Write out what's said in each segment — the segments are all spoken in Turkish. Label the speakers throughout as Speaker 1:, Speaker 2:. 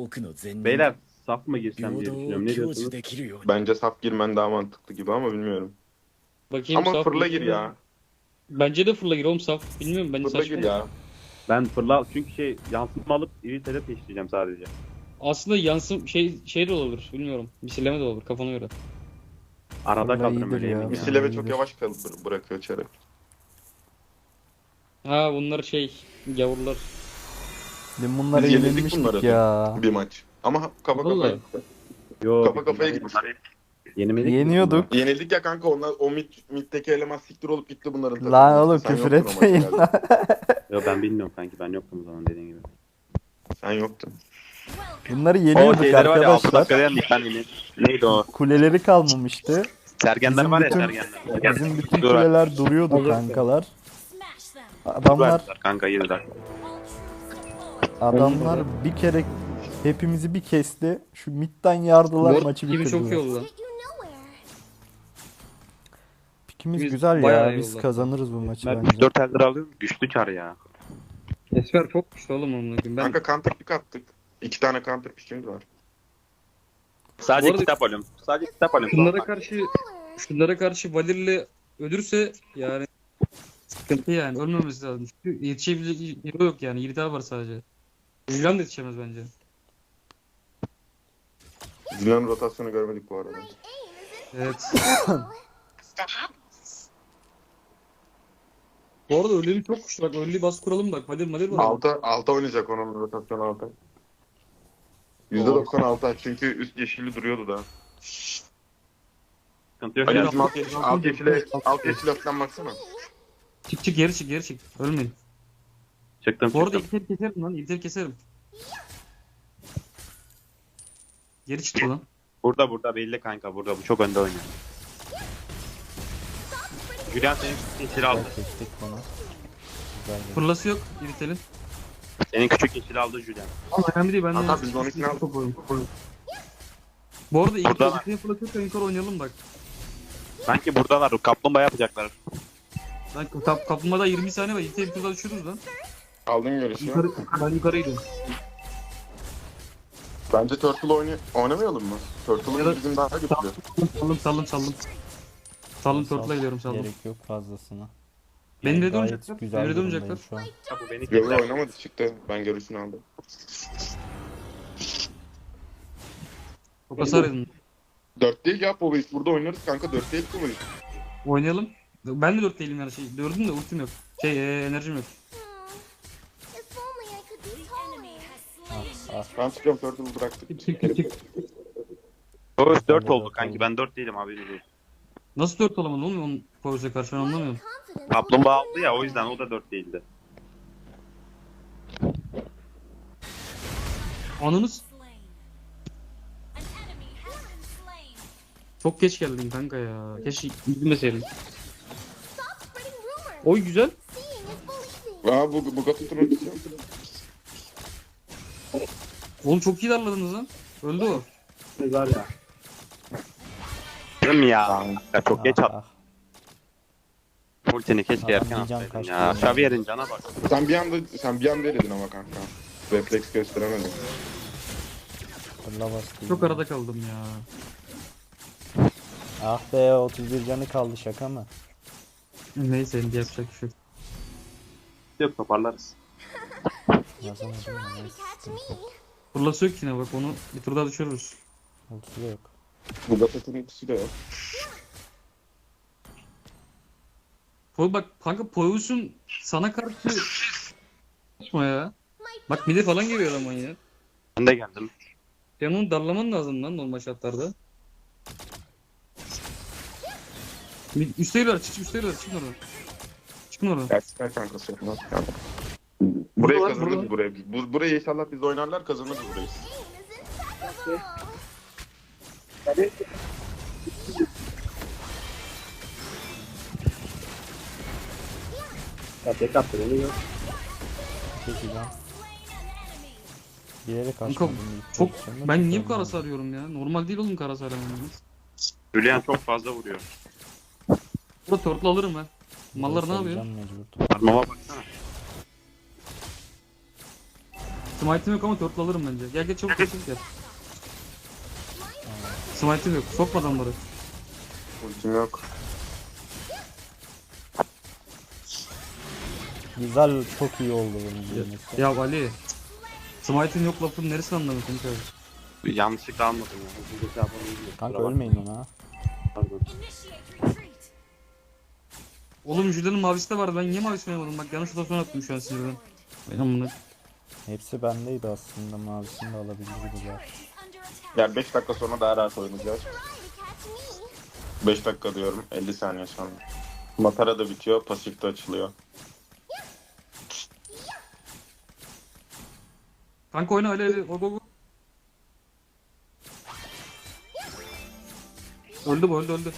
Speaker 1: Beyler saf mı girsem diye düşünüyorum. Ne diyorsunuz?
Speaker 2: Bence saf girmen daha mantıklı gibi ama bilmiyorum.
Speaker 3: Bakayım
Speaker 2: Ama
Speaker 3: saf
Speaker 2: fırla
Speaker 3: mı?
Speaker 2: gir ya.
Speaker 3: Bence de fırla gir oğlum saf. Bilmiyorum bence
Speaker 2: Fırla
Speaker 3: saçma.
Speaker 2: gir ya.
Speaker 1: Ben fırla çünkü yansıtma alıp İngiltere peşleyeceğim sadece.
Speaker 3: Aslında yansım şey de olabilir. Bilmiyorum. Misilleme de olur kafana göre.
Speaker 1: Arada
Speaker 4: Fırla
Speaker 1: kalırım
Speaker 4: iyidir
Speaker 1: öyle
Speaker 4: ya.
Speaker 1: yemin ya.
Speaker 2: Misileve çok
Speaker 4: iyidir.
Speaker 2: yavaş bırakıyor içeri.
Speaker 3: Ha bunlar gavurlar.
Speaker 4: Dün bunlara
Speaker 2: Biz yenildik
Speaker 4: yenilmiştik
Speaker 2: bunlara
Speaker 4: ya.
Speaker 2: bir maç. Ama kafa
Speaker 3: Vallahi.
Speaker 2: kafaya.
Speaker 1: Yo,
Speaker 2: Kafa kafaya gittik.
Speaker 1: Yenemedik.
Speaker 4: Yeniyorduk.
Speaker 2: Yenildik ya kanka onlar o middeki eleman siktir olup gitti bunların takımı.
Speaker 4: Lan oğlum
Speaker 2: Sen
Speaker 4: küfür
Speaker 2: yoktun o maçta
Speaker 4: etmeyin.
Speaker 2: galiba.
Speaker 1: Yo ben bilmiyorum kanki, ben yoktum o zaman dediğin gibi.
Speaker 2: Sen yoktun.
Speaker 4: Bunları
Speaker 1: O
Speaker 4: yeniyorduk
Speaker 1: şeyleri var ya 6
Speaker 4: arkadaşlar.
Speaker 1: dakikada yendik ben yine. Neydi o?
Speaker 4: Kuleleri kalmamıştı.
Speaker 1: Sergenler
Speaker 4: Bizim
Speaker 1: var ya
Speaker 4: bütün-
Speaker 1: sergenler.
Speaker 4: Bizim bütün
Speaker 1: Dur.
Speaker 4: kuleler duruyordu kankalar. Adamlar
Speaker 1: Kanka 7 dakika.
Speaker 4: adamlar bir kere hepimizi bir kesti. Şu midden yardılar
Speaker 3: Mor
Speaker 4: maçı
Speaker 3: gibi çok iyi
Speaker 4: bitirdiler.
Speaker 3: oldu lan.
Speaker 4: Pikimiz
Speaker 3: Biz
Speaker 4: güzel
Speaker 3: bayağı
Speaker 4: ya.
Speaker 3: iyi
Speaker 4: Biz
Speaker 3: oldu.
Speaker 4: kazanırız bu maçı
Speaker 1: Ben
Speaker 4: bence.
Speaker 1: 4 eldir alıyorum. Güçlü kar ya.
Speaker 3: Esmer çok güçlü oğlum onunla. Ben
Speaker 2: Kanka counter pick attık. 2 tane counter pick'imiz var.
Speaker 1: Sadece
Speaker 3: Bu arada-
Speaker 1: kitap alıyorum. Sadece kitap alıyorum.
Speaker 3: şunlara karşı Valir'le ölürse yani sıkıntı yani. Ölmemesi lazım. Çünkü yetişebilecek hero yok yani. Yiğitler var sadece. Julian da yetişemez bence.
Speaker 2: Zina'nın rotasyonu görmedik bu arada.
Speaker 3: Evet. Bu arada ölümü çok güçlü. Bak ölüyü bas kuralım bak. Valir var.
Speaker 2: Alta oynayacak onun rotasyonu alta. %96 çünkü üst yeşili duruyordu da.
Speaker 1: Sıkıntı yok
Speaker 2: Ali
Speaker 1: ya.
Speaker 2: bizim alt yeşile falan baksana.
Speaker 3: Çık geri çık. Ölmeyin.
Speaker 1: Çıktım
Speaker 3: Bu arada
Speaker 1: çıktım.
Speaker 3: İlter keserim lan. İlter keserim. Geri çıktı lan.
Speaker 1: Burada belli kanka burada. Bu çok önde oynuyor. Julian senin yeşil aldı.
Speaker 4: Kestik bunu. Güzel geldi.
Speaker 3: Fırlası yok İlter'in.
Speaker 1: Senin küçük yeşil aldı Julian.
Speaker 3: Ama önemli değil. Ben de
Speaker 2: Hatta biz de 12'ni aldık.
Speaker 3: Bu arada
Speaker 1: Burada var.
Speaker 3: İlter'in fırlası yoksa yukarı oynayalım bak.
Speaker 1: Sanki buradalar. Kaplumbağa yapacaklar.
Speaker 3: Lan kapılmada 20 saniye var. İlter'i turda düşürürüz lan.
Speaker 2: Aldın görüşü.
Speaker 3: Ben yukarı gidiyorum.
Speaker 2: Bence Turtle oynamayalım mı?
Speaker 3: Ya
Speaker 2: Turtle'ın
Speaker 3: da-
Speaker 2: bizim daha götürüyor.
Speaker 3: Saldım. Saldım turtle'a gidiyorum saldım.
Speaker 4: Gerek yok fazlasına.
Speaker 3: Beni de
Speaker 4: Gayet
Speaker 3: oynayacaklar.
Speaker 4: güzel
Speaker 3: Beni de
Speaker 4: durumdayım
Speaker 3: oynayacaklar.
Speaker 4: şu an.
Speaker 1: Ha, bu beni
Speaker 2: Yok
Speaker 1: killer.
Speaker 2: oynamadı çıktı. Ben görüşünü aldım.
Speaker 3: Çok hasar edin.
Speaker 2: 4 değil ya Poveyis. Burada oynarız kanka. 4 değil Poveyis.
Speaker 3: Oynayalım. Ben de 4 değilim yani Dördüm de ultim yok. Enerjim yok.
Speaker 2: Ben çıkıyorum Turtle'ı bıraktık.
Speaker 3: Çık.
Speaker 1: O 4
Speaker 4: Ben de
Speaker 1: oldu
Speaker 4: dört
Speaker 1: kanki.
Speaker 4: oldum.
Speaker 1: Ben 4 değilim abi.
Speaker 3: Nasıl 4 olamadın oğlum onun Poyuz'a karşı ben anlamıyorum.
Speaker 1: Kaplumbağa aldı ya, o yüzden o da 4 değildi.
Speaker 3: Anınız çok geç geldin kanka ya. Keşke gitmeseydin. Oy güzel.
Speaker 2: Aa bu Gatut'un ötesi.
Speaker 3: Oğlum çok iyi darladınız lan. Öldü o.
Speaker 1: Değil mi ya? Ya çok geç
Speaker 4: Ah,
Speaker 1: attın. Ultini keşke
Speaker 4: Adam
Speaker 1: erken
Speaker 4: bir can
Speaker 1: atsaydın
Speaker 4: kaçtı
Speaker 1: ya.
Speaker 4: ya.
Speaker 1: Xavier'in cana bak.
Speaker 2: Sen bir anda eledin ama kanka. Refleks gösteremedin.
Speaker 4: fırla bastı.
Speaker 3: Çok arada kaldım ya.
Speaker 4: Ah be 31 canı kaldı şaka mı?
Speaker 3: Neyse yapacak bir şey yok.
Speaker 1: Yok, toparlarız.
Speaker 4: Yazamadım ya. Neyse, sıkıntı yok.
Speaker 3: Fırlası yok yine bak onu bir tur daha düşürürüz.
Speaker 4: Ultisi de yok.
Speaker 2: Bu Gatut'un ötesi de yok.
Speaker 3: Bak kanka Poyuz'un sana karşı yapma ya. Bak mide falan geliyor adam ya.
Speaker 1: Ben de geldim.
Speaker 3: Sen onu darlaman lazım lan normal şartlarda. Üste yürüler çıkın oradan. Çıkın oradan.
Speaker 2: Gerçekten kankası yapmaz. Burayı
Speaker 3: Buralar-
Speaker 2: kazanırız buraya. Burayı inşallah biz oynarlar kazanırız burayı.
Speaker 4: Peki can. Bilerek
Speaker 3: Kanka,
Speaker 4: açmadım.
Speaker 3: Çok ben niye bu kadar sarıyorum ya? Normal değil oğlum kara sarıyorum.
Speaker 1: Julian çok fazla vuruyor.
Speaker 3: Burada turtle alırım ha. Mallar ne yapıyor?
Speaker 4: Mecbur.
Speaker 1: Armama baksana.
Speaker 3: Smite'im yok ama turtle alırım bence. Gel gel çabuk gel. Smite'im yok. Sokma adamları.
Speaker 2: Ultim yok.
Speaker 4: Güzel, çok iyi oldu benim bilmesi.
Speaker 3: Ya Ali. Smite'in yok lafın neresini anlamıyorsun kanka?
Speaker 1: Yanlışlıkla almadım ya. Hızlıca şey yapalım diye.
Speaker 4: Kanka
Speaker 1: Kusura
Speaker 4: ölmeyin
Speaker 1: bakma.
Speaker 4: ona.
Speaker 1: Pardon.
Speaker 3: Oğlum Julia'nın mavisi de vardı. Ben niye mavisini yapmadım? Bak yanlış rotasyon attım şu an sinirden. Benim bunu.
Speaker 4: Hepsi bendeydi aslında, mavisini de alabilirdi ya.
Speaker 2: Yani 5 dakika sonra daha rahat oynayacağız. 5 dakika diyorum. 50 saniye sonra. Matara da bitiyor. Pasif de açılıyor.
Speaker 3: Kanka oyna Ali. Go go go. Öldü bu öldü.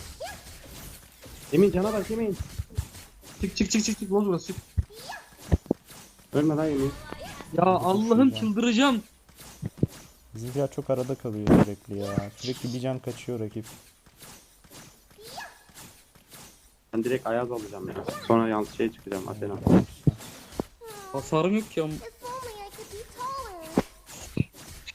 Speaker 1: Emin cana bak Emin.
Speaker 3: Çık. Boz burası çık.
Speaker 1: Ölme lan Emin.
Speaker 3: Ya Allah'ım çıldıracağım.
Speaker 4: Bizimkiler çok arada kalıyor sürekli ya. Sürekli bir can kaçıyor rakip.
Speaker 1: Ben direkt Ayaz alacağım ya. Sonra yalnız şey çıkacağım Athena.
Speaker 3: Hasarım yok ki ama.
Speaker 5: If only I could be taller.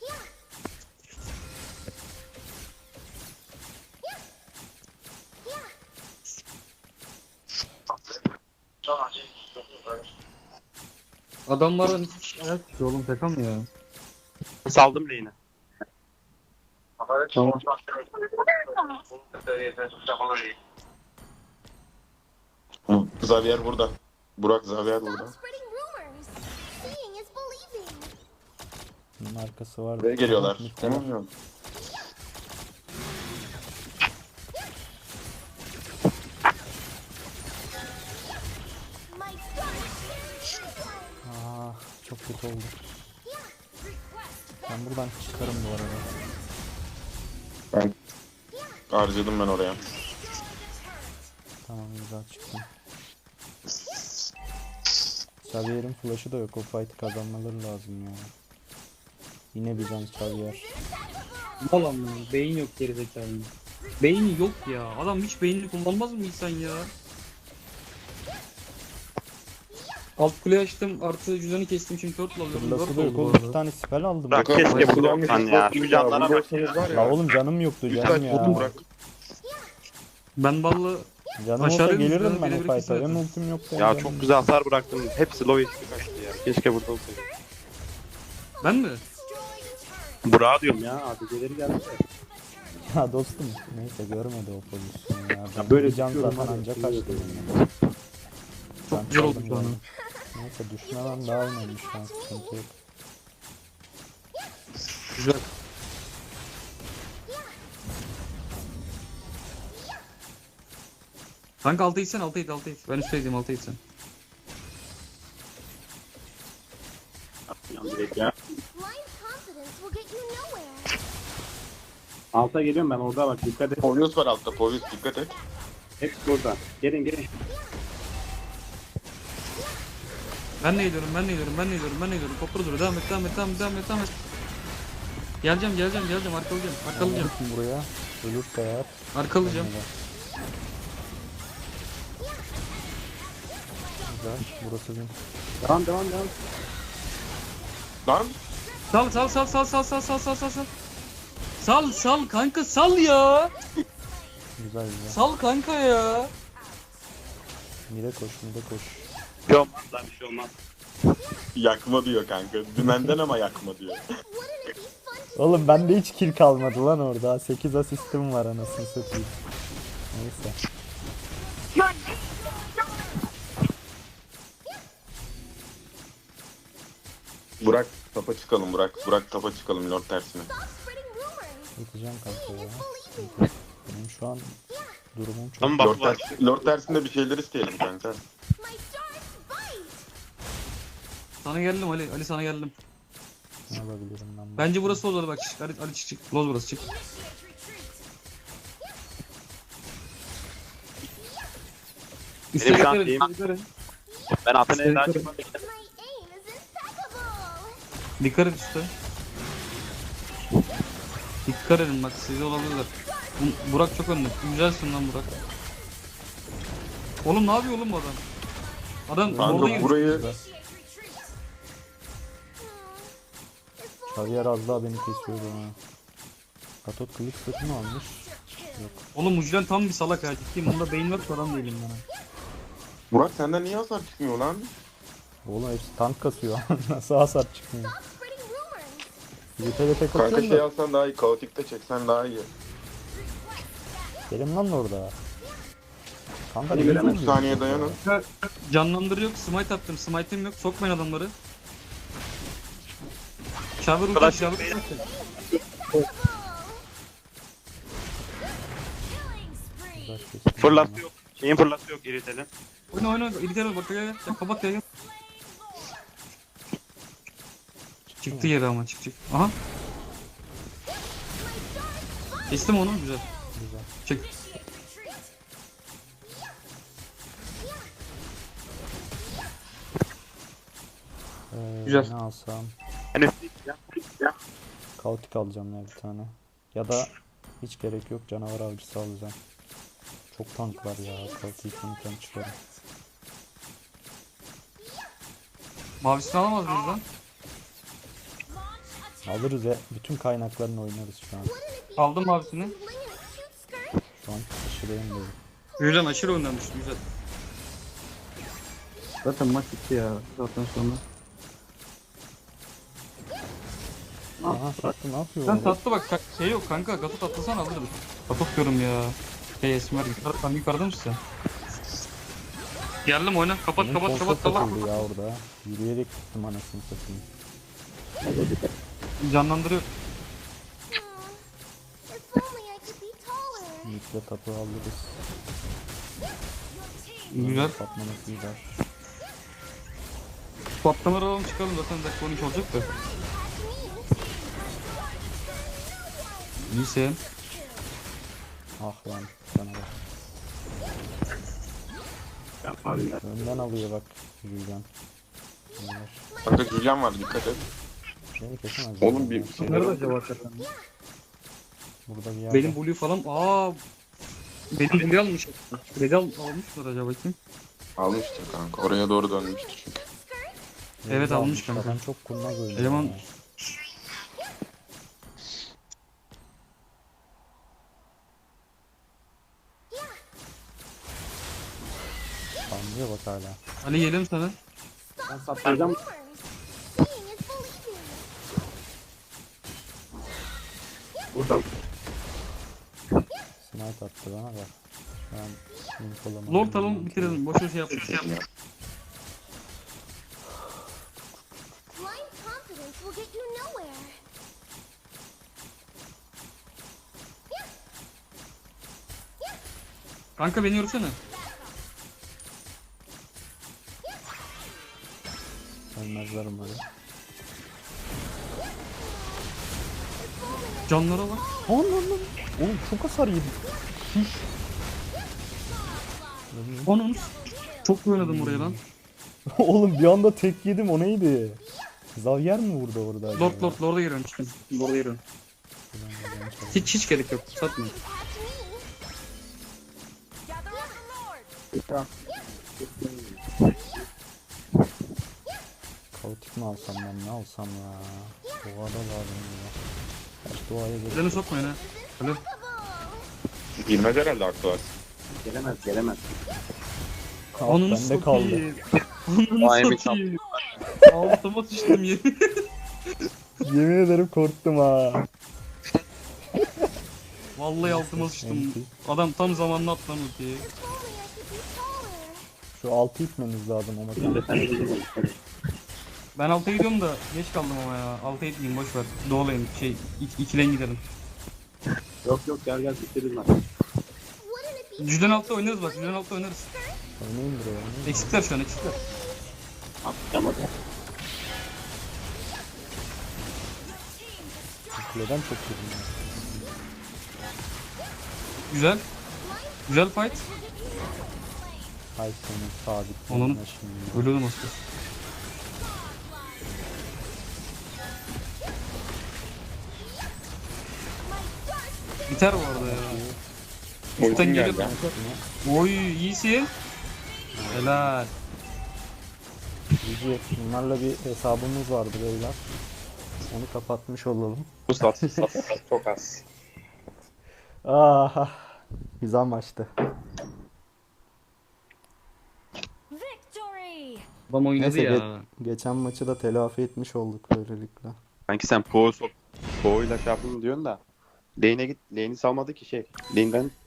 Speaker 3: Adamlardan hiç ayak tutuyor oğlum şaka mı ya?
Speaker 1: Saldım lane'i.
Speaker 3: Tamam.
Speaker 2: Xavier burada. Burak Xavier burada.
Speaker 5: Stop spreading rumors. Seeing is believing.
Speaker 4: Bunun arkası var.
Speaker 2: Buraya geliyorlar.
Speaker 4: Muhtemelen.
Speaker 2: Tamam yok.
Speaker 5: My stars.
Speaker 4: Aa, çok kötü oldu. Ben buradan çıkarım bu arada.
Speaker 2: Ben harcadım ben oraya.
Speaker 4: Tamam, güzel çıktım. Xavier'in flash'ı da yok. O fight'ı kazanmaları lazım ya. Yine bir can Xavier.
Speaker 3: Ulan beyin yok gerizekalı. Beyni yok ya. Adam hiç beynini kullanmaz mı insan ya? Alt kule açtım artı cüzdanı kestim şimdi turtle alıyorum.
Speaker 4: Fırlası
Speaker 3: Dört
Speaker 4: da yok
Speaker 3: oldu bu
Speaker 4: oğlum.
Speaker 3: arada.
Speaker 4: 2 tane spell aldım.
Speaker 1: Bırak
Speaker 4: Ya.
Speaker 1: keşke
Speaker 2: Burak,
Speaker 1: bunu olsan ya. Şu canlara bak ya.
Speaker 4: La oğlum canım yoktu canım ya.
Speaker 2: Burak.
Speaker 3: Ben ballı
Speaker 4: Canım olsa
Speaker 3: Aşağıda
Speaker 4: gelirdim
Speaker 3: mısın?
Speaker 4: ben o
Speaker 3: Birebir
Speaker 4: fight'a.
Speaker 3: kesin
Speaker 4: Benim
Speaker 3: zaten.
Speaker 4: ultim yoktu.
Speaker 1: Ya çok güzel hasar bıraktım. Hepsi low HP kaçtı ya. Keşke burada olsaydı.
Speaker 3: ben mi?
Speaker 1: Burak'a diyorum ya. ADC'leri geldi.
Speaker 4: Ya dostum neyse görmedi o pozisyonu ya. Ben
Speaker 1: böyle
Speaker 4: bir can
Speaker 1: tutuyorum
Speaker 4: zaten
Speaker 1: abi,
Speaker 4: ancak
Speaker 1: tutuyorum.
Speaker 4: kaçtı. Yani.
Speaker 3: Çok
Speaker 4: Ben
Speaker 3: güzel oldu
Speaker 4: çaldım
Speaker 3: şu an.
Speaker 4: yani. Neyse düşmeden daha önemli şu an, sıkıntı yok.
Speaker 3: Güzel. Kanka altı itsen altı it. Ben üstteydim altı itsen.
Speaker 1: Yan direkt ya.
Speaker 5: Blind confidence will get you nowhere.
Speaker 1: Alta geliyorum ben orada bak dikkat et.
Speaker 2: Povyus var altta. Povyus dikkat et.
Speaker 1: Hepsi burada. Gelin.
Speaker 3: Ben ne ediyorum? Kopru dur. Devam et. Geleceğim. Arkalayacağım.
Speaker 4: Gittim buraya. Ölürse eğer.
Speaker 3: Arkalayacağım.
Speaker 4: Güzel. Burası bizim.
Speaker 1: Devam.
Speaker 2: Lan.
Speaker 3: Sal kanka sal ya.
Speaker 4: Güzel.
Speaker 3: Sal kanka ya.
Speaker 4: Mide koş.
Speaker 1: Bir şey olmaz lan bir şey olmaz.
Speaker 2: Yakma diyor kanka. Dümenden ama yakma diyor.
Speaker 5: Wouldn't it be fun to
Speaker 4: Oğlum bende hiç kill kalmadı lan orada. 8 asistim var anasını satayım. Neyse.
Speaker 2: Burak tapa çıkalım Burak. Burak tapa çıkalım Lord tersine.
Speaker 5: stop spreading rumors.
Speaker 4: Yatacağım kanka ya.
Speaker 5: Believing.
Speaker 4: Benim şu an durumum çok...
Speaker 1: Tamam
Speaker 2: Lord,
Speaker 1: bak.
Speaker 2: Lord tersinde bir şeyler isteyelim kanka.
Speaker 5: My stars bite.
Speaker 3: Sana geldim Ali sana geldim.
Speaker 4: Ne yapabilirim ben?
Speaker 3: Bence burası olur bak. Ali çık. Loz burası çık. Üste
Speaker 1: Benim şu an
Speaker 3: dikkat edin,
Speaker 1: şeyim-
Speaker 3: üste dikkat edin.
Speaker 1: Ben Athena'ya daha çıkmadım.
Speaker 5: My aim is impeccable.
Speaker 3: Dikkat et üste. Dikkat edin bak size olabilirler. Burak çok önde. Güzelsin lan Burak. Oğlum ne yapıyor oğlum bu adam? Adam orada
Speaker 2: Kanka
Speaker 3: girmiş.
Speaker 2: burayı
Speaker 4: Xavier az daha beni kesiyordu ha. Katot kılıç satın almış. Yok.
Speaker 3: Oğlum Mucilen tam bir salak ha, ciddiyim. Bunda beyin var ki adam değilim bana.
Speaker 2: Burak senden niye hasar çıkmıyor lan?
Speaker 4: Oğlum hepsi tank kasıyor. Nasıl hasar çıkmıyor?
Speaker 5: Stop spreading rumors.
Speaker 4: Yürüte tek
Speaker 2: Kanka
Speaker 4: atıyorum
Speaker 2: şey
Speaker 4: da.
Speaker 2: alsan daha iyi. Kaotik'te çeksen daha iyi.
Speaker 4: Benim lan orada. Kanka
Speaker 2: Hadi
Speaker 4: ne
Speaker 2: verelim,
Speaker 4: yüzünden
Speaker 2: 3 saniye
Speaker 4: diyorsun
Speaker 2: dayanın.
Speaker 3: Canlandırı yok, smite attım. Smite'im yok, sokmayın adamları. Şavur uçak, şavur uçak.
Speaker 4: ya? Uzaş kesin.
Speaker 1: Fırlası yok. Şeyin fırlası yok iritenin.
Speaker 3: Oyna oyna, İlker bak gel. Ya kapat gel. Çıktı yere ama çık. Aha. Kestim onu, güzel.
Speaker 4: Güzel.
Speaker 3: Çık. Güzel.
Speaker 4: Ne alsam?
Speaker 1: Hani ya.
Speaker 4: Kaotik alacağım ya bir tane. Ya da hiç gerek yok, canavar avcısı alacağım. Çok tank var ya. Kaotik'i unuttan çıkarım.
Speaker 3: Mavisini alamaz mıyız lan?
Speaker 4: Alırız ya. Bütün kaynaklarını oynarız şu an.
Speaker 3: Aldım mavisini.
Speaker 5: Fling in a cute skirt.
Speaker 4: Şu an aşırıyım böyle.
Speaker 3: Güzel, aşırı oynamış, güzel. Zaten maç bitti ya. Zaten sonra.
Speaker 4: Aha sattı, ne yapıyor?
Speaker 3: Sen
Speaker 4: o?
Speaker 3: tatlı bak, şey yok kanka, gatot atlasan alırım. Gatot diyorum ya. Şey Esmer, yukarıda mısın sen? Geldim oyna, kapat
Speaker 4: Benim
Speaker 3: kapat
Speaker 4: kolsa
Speaker 3: kapat kapat.
Speaker 4: takıldı ya orada. Yürüyerek gittim anasını satayım.
Speaker 3: Canlandırıyor.
Speaker 5: If only I could be taller.
Speaker 4: Yiğitle tapu alırız.
Speaker 3: Güzel.
Speaker 4: Patlaması güzel.
Speaker 3: Patlamaları alalım çıkalım, zaten dakika 12 olacak da. İyisin.
Speaker 4: Ah lan canavar. Önden alıyor bak Julian. Canavar.
Speaker 2: Kanka Julian var, dikkat et.
Speaker 4: Beni kesemez.
Speaker 2: Oğlum
Speaker 4: zaten
Speaker 2: bir
Speaker 4: ya.
Speaker 2: şey
Speaker 3: Nerede acaba hakikaten?
Speaker 4: Burada bir yerde.
Speaker 3: Benim Blue falan, benim Blue almış. Blue almışlar acaba kim?
Speaker 2: almıştır kanka. Oraya doğru dönmüştür çünkü.
Speaker 3: Evet,
Speaker 4: Yerde
Speaker 3: almış kanka.
Speaker 4: Adam çok kurnaz oynuyor.
Speaker 3: Eleman-
Speaker 4: ya. Anlıyor bak hala.
Speaker 3: Ali gelelim sana.
Speaker 5: Rumors. Seeing is believing.
Speaker 4: Smite attı bana bak. Şu an infolama.
Speaker 3: Lord alalım, bitirelim. Boşuna şey yapma.
Speaker 5: Blind confidence will get you nowhere.
Speaker 3: Kanka beni yürüsene.
Speaker 4: Ölmezler umarım.
Speaker 3: Canlara bak.
Speaker 4: Lan. Oğlum çok hasar yedim.
Speaker 3: Onun. Çok iyi oynadım oraya lan.
Speaker 4: Oğlum bir anda tek yedim, o neydi? Xavier mi vurdu orada acaba?
Speaker 3: Lord'a giriyorum çıkın. Lord'a giriyorum. Hiç gerek yok. Satmayın.
Speaker 4: Kaotik mi alsam ben, ne alsam ya? Doğada lazım ya. Kaç doğaya gerek.
Speaker 3: Elini sokmayın ha. Alo.
Speaker 2: Girmez herhalde aklı var.
Speaker 3: Onun
Speaker 4: Bende kaldı.
Speaker 3: Onun satayım. Altıma sıçtım yemin.
Speaker 4: Yemin ederim korktum ha.
Speaker 3: Vallahi altıma sıçtım.
Speaker 4: Enti.
Speaker 3: Adam tam zamanında atlan ultiyi.
Speaker 5: If only I could be taller.
Speaker 4: Şu altı itmemiz lazım ama.
Speaker 3: Ben alta gidiyorum da geç kaldım ama ya. Alta gitmeyeyim, boş ver. Doğulayım, ikileyim gidelim.
Speaker 5: Wouldn't it be
Speaker 3: Cüden altta oynarız bak, cüden altta oynarız.
Speaker 4: Oynayın buraya. Oynayın.
Speaker 3: Eksikler şu an, eksikler.
Speaker 4: Kuleden çok yedim ya.
Speaker 3: Güzel. Güzel fight.
Speaker 4: Hay senin sabit.
Speaker 3: Onun-
Speaker 4: yerine şimdi.
Speaker 3: Ölüyordum aslında. Biter bu arada ya. Üstten
Speaker 2: Ultim
Speaker 3: gelip.
Speaker 2: geldi.
Speaker 3: Oy, iyisin. Helal.
Speaker 4: Cici, bunlarla bir hesabımız vardı beyler. Onu kapatmış olalım.
Speaker 2: Bu sat çok az.
Speaker 4: Aha. Güzel maçtı.
Speaker 6: Victory!
Speaker 3: Adam oynadı
Speaker 4: Neyse
Speaker 3: ya.
Speaker 4: geçen maçı da telafi etmiş olduk böylelikle.
Speaker 1: Sanki sen Poe'yla şey yaptın diyorsun da. Lane'e git. Lane'i salmadı ki şey. Lane'den